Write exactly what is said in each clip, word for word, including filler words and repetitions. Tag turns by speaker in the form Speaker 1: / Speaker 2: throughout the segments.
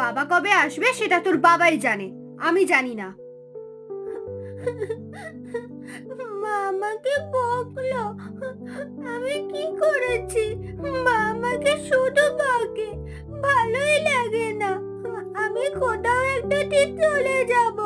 Speaker 1: বাবা কবে আসবে সেটা তোর বাবাই জানে, আমি জানি না। মা আমাকে বকলো, আমি কি করেছি? মা আমাকে শুধু বকে, ভালোই লাগে না। আমি কোথাও একটা ঠিক চলে যাব।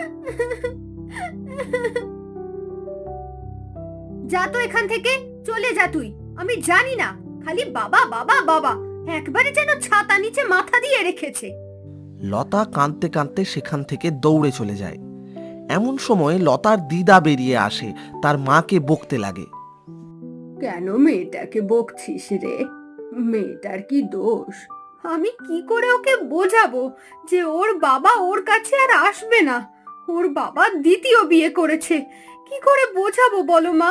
Speaker 1: যা তো এখান থেকে, চলে যা তুই। আমি জানি না, খালি বাবা বাবা বাবা, একবারে যেন ছাতা নিচে মাথা দিয়ে রেখেছে।
Speaker 2: লতা কাঁদতে কাঁদতে সেখান থেকে দৌড়ে চলে যায়। এমন সময় লতার দিদা বেরিয়ে আসে, তার মাকে বকতে লাগে।
Speaker 1: কেন মেয়েটাকে বকছিস রে? মেয়েটার কি দোষ? আমি কি করে ওকে বোঝাবো যে ওর বাবা ওর কাছে আর আসবে না? ওর বাবা দ্বিতীয় বিয়ে করেছে, কি করে বোঝাবো বলো মা?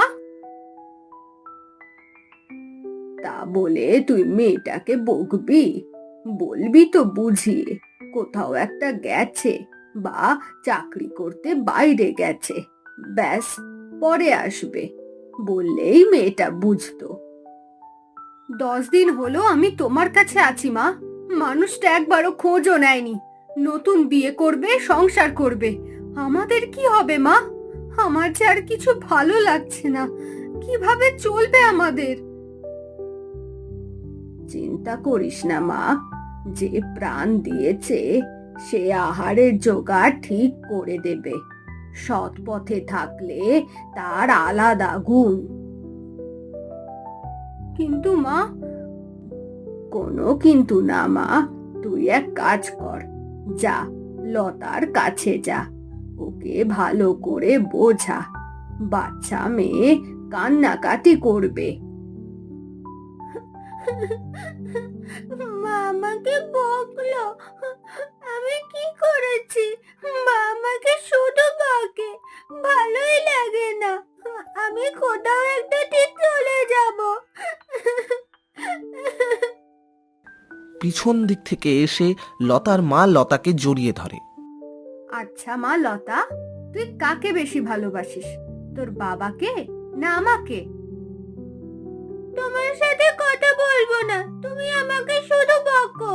Speaker 1: তা বলে তুই মেয়েটাকে বকবি? বলবি তো বুঝিয়ে, কোথাও একটা গেছে বা চাকরি করতে বাইরে গেছে, ব্যাস, পরে আসবে, বললেই মেয়েটা বুঝতো। দশ দিন হলো আমি তোমার কাছে আছি মা, মানুষটা একবারও খোঁজও নেয়নি। নতুন বিয়ে করবে, সংসার করবে, আমাদের কি হবে মা? আমার যে আর কিছু ভালো লাগছে না, কিভাবে চলবে আমাদের? চিন্তা করিস না মা, যে প্রাণ দিয়েছে সে আহারের জোগাড় ঠিক করে দেবে। সৎ পথে থাকলে তার আলাদা গুণ। কিন্তু মা, কোনো কিন্তু না মা, তুই এক কাজ কর, যা লতার কাছে যা, ওকে ভালো করে বোঝা। বাচ্চা মেয়ে কান্নাকাটি করবে। মা আমাকে বকলো, আমি কি করেছি? মা আমাকে শুধু বকে, ভালোই লাগে না। আমি কোথাও একটা ঠিক চলে যাব।
Speaker 2: পিছন দিক থেকে এসে লতার মা লতাকে জড়িয়ে ধরে।
Speaker 1: আচ্ছা মা লতা, তুই কাকে বেশি ভালোবাসিস, তোর বাবাকে না আমাকে? তোমার সাথে কথা বলবো না, তুমি আমাকে শুধু বকো।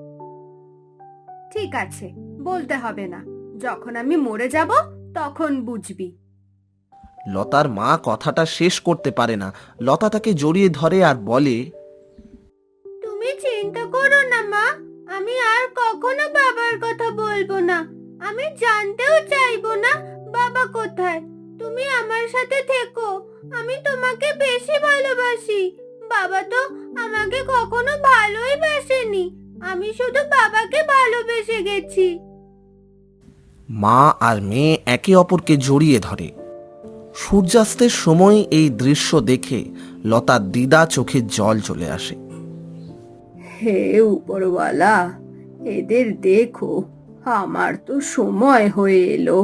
Speaker 1: ঠিক আছে, বলতে হবে না, যখন আমি মরে যাব তখন বুঝবি।
Speaker 2: লতার মা কথাটা শেষ করতে পারে না। লতা তাকে জড়িয়ে ধরে আর বলে,
Speaker 1: তুমি চিন্তা করো না মা, আমি আর কখনো বাবার কথা বলবো না। আমি জানতেও চাইবো না বাবা কোথায়। তুমি আমার সাথে থেকো, আমি তোমাকে বেশি ভালোবাসি। বাবা তো আমাকে কখনো ভালোই বাসেনি, আমি শুধু বাবাকে ভালোবেসে গেছি।
Speaker 2: মা আর মেয়ে একে অপরকে জড়িয়ে ধরে। সূর্যাস্তের সময় এই দৃশ্য দেখে লতার দিদা চোখে জল চলে আসে।
Speaker 1: হে উপরওয়ালা, এদের দেখো, আমার তো সময় হয়ে এলো।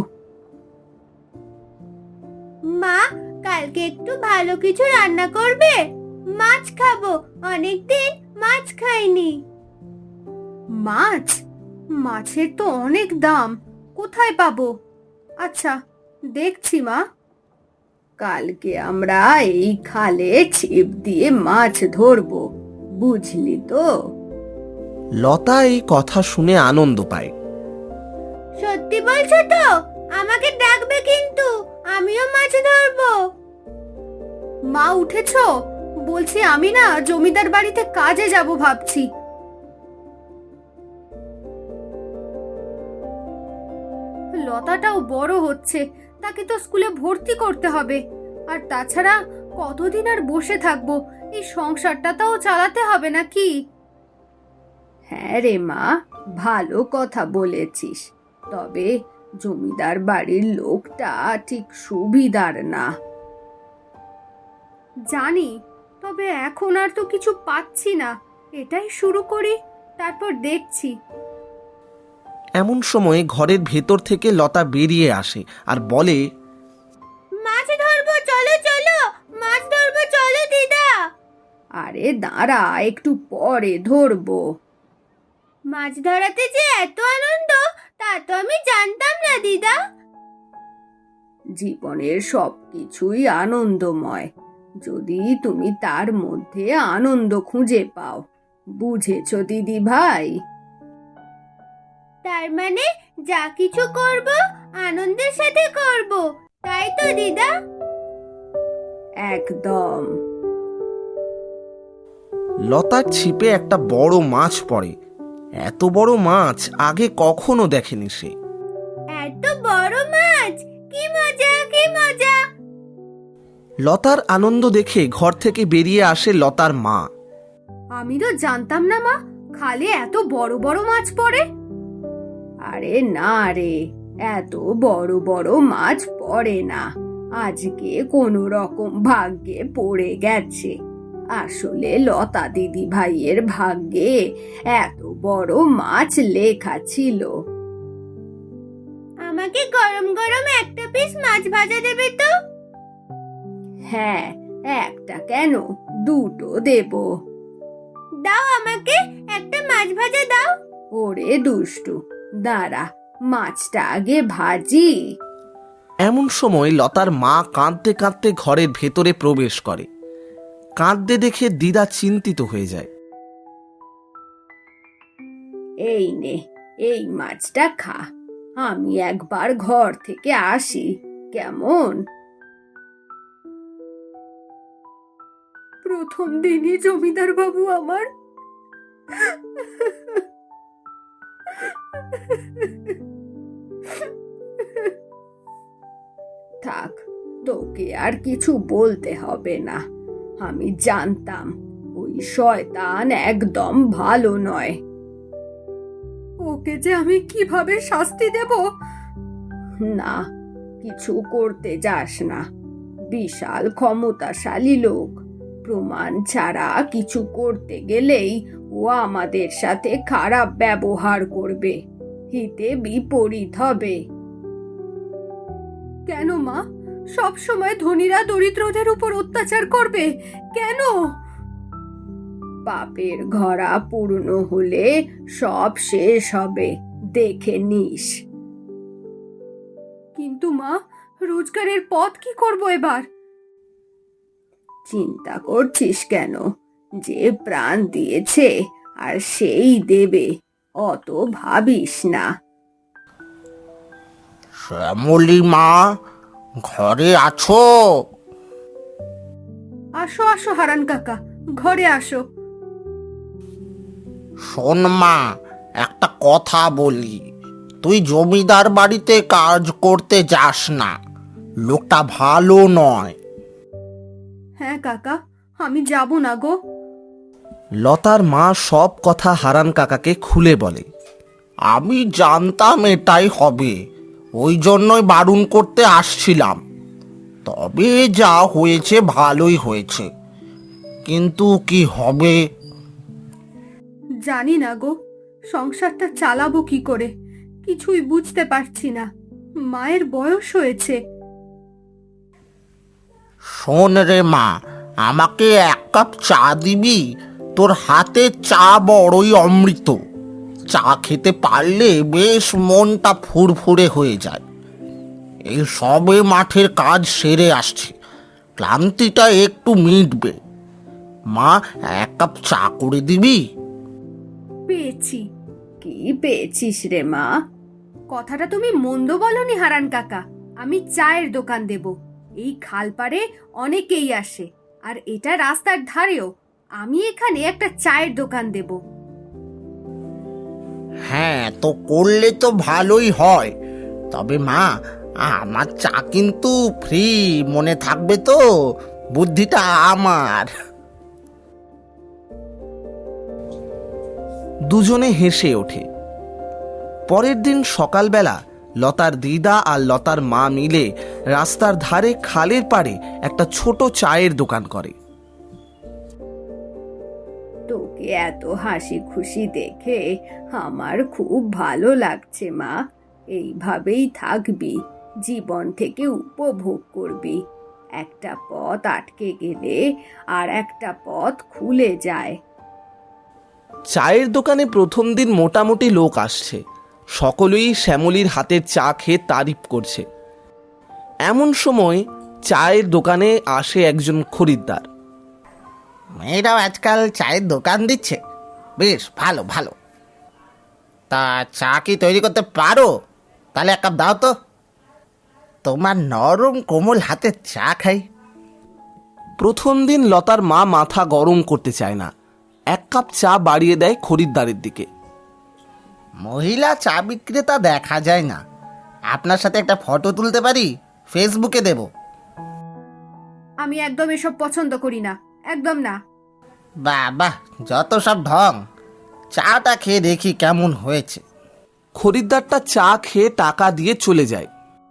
Speaker 1: মা, কালকে একটু ভালো কিছু রান্না করবে? মাছ খাবো, অনেকদিন মাছ খাইনি। মাছ? মাছের তো অনেক দাম, কোথায় পাবো? আচ্ছা, দেখছি মা। কালকে আমরা এই খালে ছিপ দিয়ে মাছ ধরবো, বুঝলি তো?
Speaker 2: লতা এই কথা শুনে আনন্দ পায়।
Speaker 1: সত্যি বলছো তো? আমাকে ডাকবে কিন্তু, আমিও মাছ ধরবো। মা উঠেছো? বলছি আমি না জমিদার বাড়িতে কাজে যাব ভাবছি। লতাটাও বড় হচ্ছে, তাকে তো স্কুলে ভর্তি করতে হবে। আর তাছাড়া কতদিন আর বসে থাকবো, এই সংসারটাও চালাতে হবে নাকি? হ্যাঁ রে মা, ভালো কথা বলেছিস, তবে জমিদার বাড়ির লোকটা ঠিক সুবিধার না। জানি, তবে এখন আর তো কিছু পাচ্ছি না, এটাই শুরু করি, তারপর দেখছি।
Speaker 2: এমন সময় ঘরের ভেতর থেকে লতা বেরিয়ে আসে আর বলে,
Speaker 1: মাছ ধরবো, চলো চলো, মাছ ধরবো, চলো দিদা। আরে দাঁড়া, একটু পরে ধরবো। মাছ ধরাতে যে এত আনন্দ, তা তো আমি জানতাম না দিদা। জীবনের সবকিছুই আনন্দময়, যদি তুমি তার মধ্যে আনন্দ খুঁজে পাও, বুঝেছো দিদি ভাই? তার মানে যা কিছু করব আনন্দের সাথে করব, তাই তো দিদা? একদম।
Speaker 2: লতার ছিপে একটা বড় মাছ পড়ে। এত বড় মাছ আগে কখনো দেখেনি সে।
Speaker 1: এত বড় মাছ, কি মজা কি মজা!
Speaker 2: লতার আনন্দ দেখে ঘর থেকে বেরিয়ে আসে লতার মা।
Speaker 1: আমি তো জানতাম না মা, খালে এত বড় বড় মাছ পড়ে। আরে না রে, এত বড় বড় মাছ পড়ে না, আজকে কোনো রকম ভাগ্যে পড়ে গেছে। আসলে লতা দিদি ভাইয়ের ভাগ্যে এত বড় মাছ লেখা ছিল। আমাকে গরম গরম একটা পিস মাছ ভাজা দেবে তো? হ্যাঁ, একটা কেন, দুটো দেব। দাও, আমাকে একটা মাছ ভাজা দাও। ওরে দুষ্টু, দাঁড়া, মাছটা আগে ভাজি।
Speaker 2: এমন সময় লতার মা কাঁদতে কাঁদতে ঘরের ভেতরে প্রবেশ করে। কাঁদতে দেখে দিদা চিন্তিত হয়ে যায়।
Speaker 1: এই নে, এই মাছটা খা, আমি একবার ঘর থেকে আসি, কেমন? প্রথম দিনই জমিদার বাবু আমার থাক, তোকে আর কিছু বলতে হবে না। আমি জানতাম ওই শয়তান একদম ভালো নয়। ওকে যে আমি কিভাবে শাস্তি দেব? না, কিছু করতে যাস না, বিশাল ক্ষমতাশালী লোক, প্রমাণ ছাড়া কিছু করতে গেলেই ও আমাদের সাথে খারাপ ব্যবহার করবে, হিতে বিপরীত হবে। কেন মা, সব সময় ধনীরা দরিদ্রদের উপর অত্যাচার করবে কেন? পাপের ঘড়া পূর্ণ হলে সব শেষ হবে, দেখে নিস। কিন্তু মা, রোজগারের পথ কি করব এবার? চিন্তা করছিস কেন? যে প্রাণ দিয়েছে আর সেই দেবে, অত ভাবিস না।
Speaker 2: শ্যামলী মা, ঘরে আছো?
Speaker 1: আসো আসো হারান কাকা, ঘরে আসো।
Speaker 2: শোন মা, একটা কথা বলি, তুই জমিদার বাড়িতে কাজ করতে যাস না, লোকটা ভালো নয়।
Speaker 1: হ্যাঁ কাকা, আমি যাব না গো।
Speaker 2: লতার মা সব কথা হারান কাকাকে খুলে বলে। আমি জানতাম এটাই হবে, ওই জন্যই বারণ করতে আসছিলাম। তবে যা হয়েছে ভালোই হয়েছে, কিন্তু কি হবে?
Speaker 1: জানি না গো, সংসারটা চালাবো কি করে, কিছুই বুঝতে পারছি না। মায়ের বয়স হয়েছে।
Speaker 2: শোন রে মা, আমাকে এক কাপ চা দিবি? তোর হাতে চা বড়ই অমৃত, চা খেতে পারলে বেশ মনটা ফুরফুরে হয়ে যায়। এই সবে মাঠের কাজ সেরে আসছে, ক্লান্তিটা একটু মিটবে। মা, এক কাপ চা করে দিবি?
Speaker 1: পেয়েছি। কি পেয়েছিস রে মা? কথাটা তুমি মন্দ বলনি হারান কাকা, আমি চায়ের দোকান দেব। এই খালপাড়ে অনেকেই আসে, আর এটা রাস্তার ধারেও, আমি এখানে একটা চায়ের দোকান দেব।
Speaker 2: হ্যাঁ, তো করলে তো ভালোই হয়। তবে মা, আমার চা কিন্তু ফ্রি, মনে থাকবে তো? বুদ্ধিটা আমার। দুজনে হেসে ওঠে। পরের দিন সকালবেলা লতার দিদা আর লতার মা মিলে রাস্তার ধারে খালের পাড়ে একটা ছোট চায়ের দোকান করে।
Speaker 1: তোকে এত হাসি খুশি দেখে আমার খুব ভালো লাগছে মা। এইভাবেই থাকবি, জীবন থেকে উপভোগ করবি। একটা পথ আটকে গেলে আর একটা পথ খুলে যায়।
Speaker 2: চায়ের দোকানে প্রথম দিন মোটামুটি লোক আসছে, সকলেই শ্যামলীর হাতের চা খেয়ে তারিফ করছে। এমন সময় চায়ের দোকানে আসে একজন খরিদ্দার। মেয়েরাও আজকাল চায়ের দোকান দিচ্ছে, বেশ ভালো ভালো। তা চা কি তৈরি করতে পারো? তাহলে এক কাপ দাও তো, তোমার নরম কোমল হাতে চা খাই।
Speaker 3: প্রথম দিন লতার মা মাথা গরম করতে চায় না, এক কাপ চা বাড়িয়ে দেয় খরিদ্দারের দিকে।
Speaker 2: মহিলা চা বিক্রেতা দেখা যায় না, আপনার সাথে একটা ফটো তুলতে পারি, ফেসবুকে দেব।
Speaker 1: আমি একদম এসব পছন্দ করি না, একদম না।
Speaker 2: বাহ বাহ, যত সব ঢং। চাটা খেয়ে দেখি কেমন হয়েছে।
Speaker 3: খরিদ্দারটা চা খেয়ে টাকা দিয়ে চলে যায়।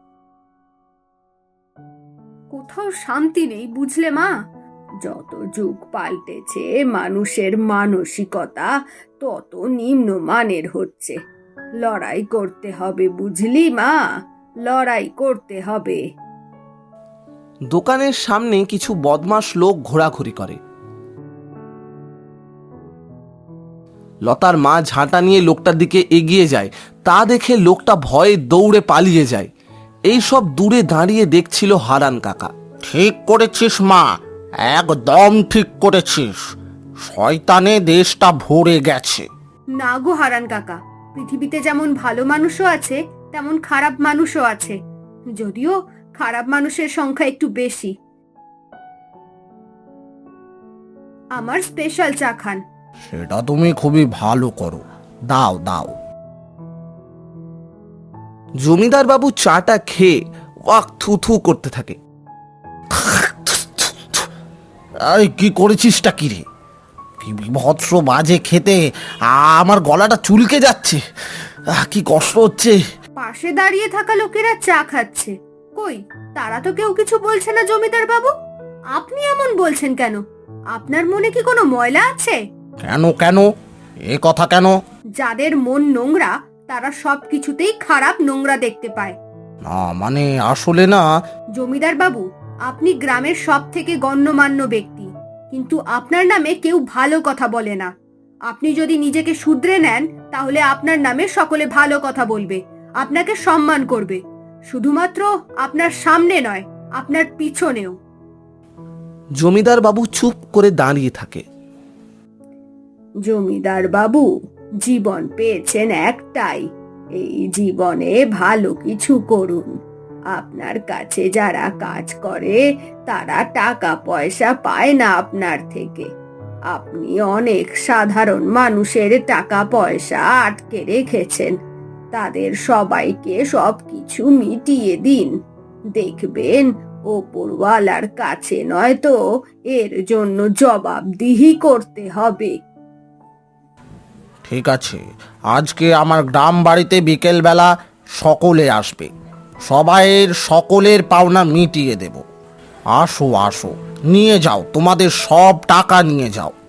Speaker 1: কোথাও শান্তি নেই, বুঝলে মা? যত যুগ পাল্টেছে মানুষের মানসিকতা তত নিম্নমানের হচ্ছে। লড়াই করতে হবে, বুঝলি মা, লড়াই করতে হবে।
Speaker 3: দোকানের সামনে কিছু বদমাশ লোক ঘোরাঘুরি করে। লতার মা ঝাঁটা নিয়ে লোকটার দিকে এগিয়ে যায়, তা দেখে লোকটা ভয়ে দৌড়ে পালিয়ে যায়। এই সব দূরে দাঁড়িয়ে দেখছিল হারান কাকা।
Speaker 2: ঠিক করেছিস মা, একদম ঠিক করেছিস। শয়তানে দেশটা ভরে গেছে।
Speaker 1: না গো হারান কাকা, পৃথিবীতে যেমন ভালো মানুষও আছে তেমন খারাপ মানুষও আছে, যদিও খারাপ মানুষের সংখ্যা একটু বেশি। আমার স্পেশাল চা খান।
Speaker 2: সেটা তুমি খুবই ভালো করো, দাও দাও।
Speaker 3: জমিদার বাবু চাটা খেয়ে ওয়াক থু থু করতে থাকে।
Speaker 2: আরে কি করেছিসটা কি রে? কি বিভৎস বাজে খেতে, আমার গলাটা চুলকে যাচ্ছে, আহ, কি কষ্ট হচ্ছে।
Speaker 1: পাশে দাঁড়িয়ে থাকা লোকেরা চা খাচ্ছে, কই তারা তো কেউ কিছু বলছে না জমিদার বাবু। আপনি এমন বলছেন কেন? আপনার মনে কি কোনো ময়লা আছে?
Speaker 2: কেন কেন এ কথা কেন?
Speaker 1: যাদের মন নোংরা তারা সব কিছুতেই খারাপ নোংরা দেখতে পায়।
Speaker 2: না মানে আসলে না।
Speaker 1: জমিদার বাবু, আপনি গ্রামের সব থেকে গণ্যমান্য ব্যক্তি, কিন্তু আপনার নামে কেউ ভালো কথা বলে না। আপনি যদি নিজেকে শুধরে নেন তাহলে আপনার নামে সকলে ভালো কথা বলবে, আপনাকে সম্মান করবে, শুধুমাত্র আপনার সামনে নয়, আপনার পিছনেও।
Speaker 3: জমিদার বাবু চুপ করে দাঁড়িয়ে থাকে।
Speaker 1: জমিদার বাবু, জীবন পেয়েছেন একটাই, এই জীবনে ভালো কিছু করুন। আপনার কাছে যারা কাজ করে তারা টাকা পয়সা পায় না আপনার থেকে। আপনি অনেক সাধারণ মানুষের টাকা পয়সা আটকে রেখেছেন, তাদের সবাইকে সবকিছু মিটিয়ে দিন। দেখবেন ওপরওয়ালার কাছে নয়তো এর জন্য জবাবদিহি করতে হবে।
Speaker 2: ঠিক আছে, আজকে আমার গ্রাম বাড়িতে বিকেলবেলা সকলে আসবে, সবাইয়ের সকলের পাওনা মিটিয়ে দেব। আসো আসো, নিয়ে যাও, তোমাদের সব টাকা নিয়ে যাও।